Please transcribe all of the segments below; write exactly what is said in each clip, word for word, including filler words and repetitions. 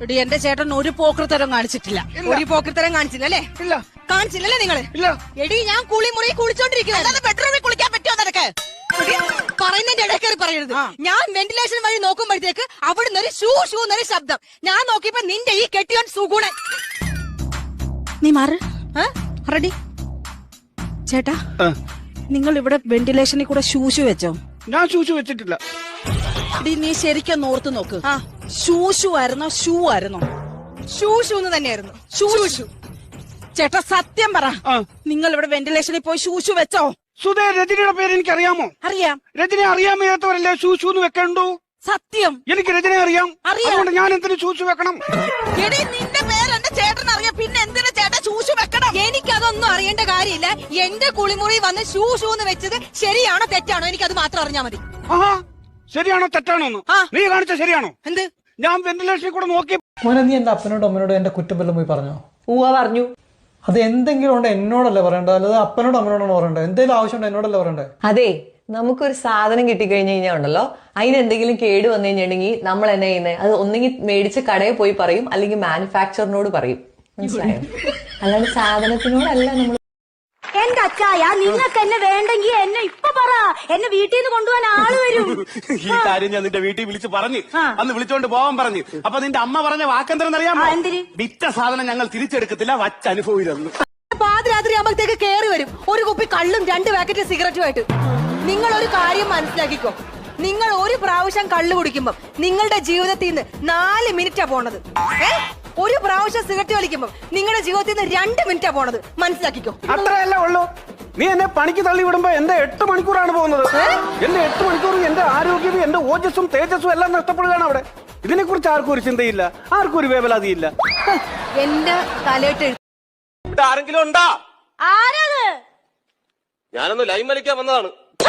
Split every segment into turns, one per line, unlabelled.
എടി എന്റെ ചേട്ടൻ ഒരു പോക്കൃത്തരം കാണിച്ചിട്ടില്ല.
ഒരു പോക്കൃത്തരം കാണിച്ചില്ല അല്ലേ?
ഇല്ല.
കാണിച്ചില്ലല്ലേ നിങ്ങള്?
ഇല്ല.
എടി ഞാൻ കുളി മുറി കുളിച്ചോണ്ടിരിക്കുന്നത്.
ബെഡ്റൂമിൽ കുളിക്കാൻ പറ്റുമോ നിനക്ക്?
പറയുന്നതിന്റെ ഇടയ്ക്കേറി പറയരുത്. ഞാൻ വെന്റിലേഷൻ വഴി നോക്കുമ്പോഴത്തേക്ക് അവിടുന്ന് ഒരു ഷൂ ഷൂ എന്നൊരു ശബ്ദം. ഞാൻ നോക്കിയപ്പോ നിന്റെ ഈ കെട്ടിയോൻ സുഗുണൻ.
നീ മാറ്. റെഡി ചേട്ടാ, നിങ്ങൾ ഇവിടെ വെന്റിലേഷനിൽ കൂടെ ഷൂഷു വെച്ചോ?
ഞാൻ ഷൂഷു വെച്ചിട്ടില്ല.
എടി നീ ശരിക്കും ഓർത്ത് നോക്ക്. ഷൂഷു ആയിരുന്നോ ഷൂ ആയിരുന്നോ?
ഷൂ ഷൂ എന്ന് തന്നെയായിരുന്നു.
Shoe shoe. ചേട്ടാ സത്യം പറ, നിങ്ങൾ ഇവിടെ വെന്റിലേഷനിൽ പോയി ഷൂഷു വെച്ചോ?
സുധേ, രജനിയുടെ പേര് എനിക്ക് അറിയാമോ?
അറിയാം.
രജനെ അറിയാൻ വയ്യാത്തവരല്ലേ ഷൂഷു എന്ന് വെക്കണ്ടു?
സത്യം.
എനിക്ക് രജനെ അറിയാം. അതുകൊണ്ട് ഞാൻ എന്തിനു ഷൂഷു വെക്കണം?
എടി നിന്റെ പേര് എന്റെ ചേട്ടൻ അറിയാം, പിന്നെ എന്തിനു ചേട്ടൻ ഷൂഷു വെക്കണം?
എനിക്കതൊന്നും അറിയേണ്ട കാര്യമില്ല. എന്റെ കുളിമുറി വന്ന് ഷൂ ഷൂ എന്ന് വെച്ചത് ശരിയാണോ തെറ്റാണോ എനിക്കത് മാത്രം അറിഞ്ഞാ മതി.
ആഹാ, ശരിയാണോ തെറ്റാണോ എന്ന് നീ കാണിച്ച ശരിയാണോ?
എന്ത്?
ഞാൻ വെന്റിലേഷനിൽ കൂടെ നോക്കി.
മോനെ, നീ എന്റെ അപ്പനോടും അമ്മനോടും എന്റെ കുറ്റം വല്ലതും പോയി പറഞ്ഞോ?
ഊവ പറഞ്ഞു.
അത് എന്തെങ്കിലും ഉണ്ട് എന്നോടല്ലേ പറയണ്ടത്, അല്ലാതെ അപ്പനോടും അമ്മനോടാണ് പറയണ്ടത്. എന്തെങ്കിലും ആവശ്യമുണ്ടോ എന്നോടല്ലേ പറയണ്ടേ?
അതെ, നമുക്കൊരു സാധനം കിട്ടിക്കഴിഞ്ഞ് കഴിഞ്ഞാൽ ഉണ്ടല്ലോ, അതിന് എന്തെങ്കിലും കേട് വന്നു കഴിഞ്ഞിട്ടുണ്ടെങ്കിൽ നമ്മൾ എന്നാ ചെയ്യുന്നത്? അത് ഒന്നെങ്കിൽ മേടിച്ച് കടയിൽ പോയി പറയും, അല്ലെങ്കിൽ മാനുഫാക്ചറിനോട് പറയും. മനസ്സിലായോ? അല്ലാണ്ട് സാധനത്തിനോടല്ല നമ്മൾ.
എന്റെ അച്ചായ, നിങ്ങൾക്ക് എന്നെ വേണ്ടെങ്കിൽ എന്നെ ഇപ്പൊ പറ, എന്നെ വീട്ടിൽ നിന്ന് കൊണ്ടുപോകാൻ ആള് വരും.
ഈ കാര്യം ഞാൻ നിന്റെ വീട്ടിൽ വിളിച്ച് പറഞ്ഞു, അന്ന് വിളിച്ചോണ്ട് പോവാൻ പറഞ്ഞു. അപ്പൊ നിന്റെ അമ്മ പറഞ്ഞ വാക്കെന്തരെന്നറിയാമോ? വിറ്റ സാധനം ഞങ്ങൾ തിരിച്ചെടുക്കത്തില്ല, വച്ചനുഭവിരുന്നു.
പാതിരാത്രി ആകുമ്പോഴത്തേക്ക് കേറി വരും ഒരു കുപ്പി കള്ളും രണ്ട് പാക്കറ്റ് സിഗരറ്റുമായിട്ട്. നിങ്ങൾ ഒരു കാര്യം മനസ്സിലാക്കിക്കോ, നിങ്ങൾ ഒരു പ്രാവശ്യം കള്ളു കുടിക്കുമ്പോ നിങ്ങളുടെ ജീവിതത്തിൽ നിന്ന് നാല് മിനിറ്റാ പോണത്. ഏ ഒരു പ്രാവശ്യം സിഗരറ്റ് വലിക്കുമ്പോ നിങ്ങളുടെ ജീവിതത്തിൽ നിന്ന് രണ്ട് മിനിറ്റാ പോണത്. മനസ്സിലാക്കിക്കോ.
അത്രയല്ല ഉള്ളൂ. നീ എന്നെ പണിക്ക് തള്ളി വിടുമ്പോ എന്റെ എട്ട് മണിക്കൂറാണ് പോകുന്നത്. എന്റെ എട്ട് മണിക്കൂറും എന്റെ ആരോഗ്യവും എന്റെ ഓജസ്സും തേജസ്സും എല്ലാം നഷ്ടപ്പെടുകയാണ് അവിടെ. ഇതിനെ കുറിച്ച് ആർക്കും ഒരു ചിന്തയില്ല, ആർക്കും ഒരു വേവലാതിയില്ല.
എന്റെ തലയിട്ട്
ഇവിടെ ആരെങ്കിലും ഉണ്ടാ?
ആരത്?
ഞാനൊന്ന് ലൈൻ വലിക്കാൻ വന്നതാണ്.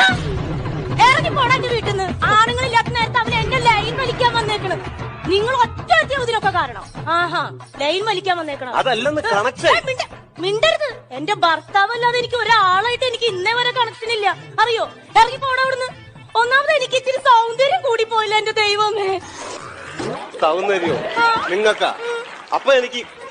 ഇറങ്ങി പോടാ വീട്ടിൽ നിന്ന്. ആണുങ്ങളില്ലാത്ത നേരത്തെ അവൻ എന്റെ ലൈൻ വലിക്കാൻ വന്നേക്കണം. നിങ്ങൾ ഒറ്റ ഒറ്റ ഇതിനൊക്കെ കാരണം. ആഹാ, ലൈൻ വലിക്കാൻ വന്നേക്കണം.
അതല്ലെന്ന് കണക്ഷൻ.
മിണ്ടരുത്. എന്റെ ഭർത്താവല്ലാതെ എനിക്ക് ഒരാളായിട്ട് എനിക്ക് ഇന്നേ വരെ കണക്ഷൻ ഇല്ല, അറിയോ? ഇറങ്ങി പോടാ അവിടുന്ന്. ഒന്നാമത് എനിക്ക് ഇച്ചിരി സൗന്ദര്യം കൂടി പോയില്ല എന്റെ ദൈവമേ.
സൗന്ദര്യോ നിങ്ങൾക്കാ? അപ്പൊ എനിക്ക്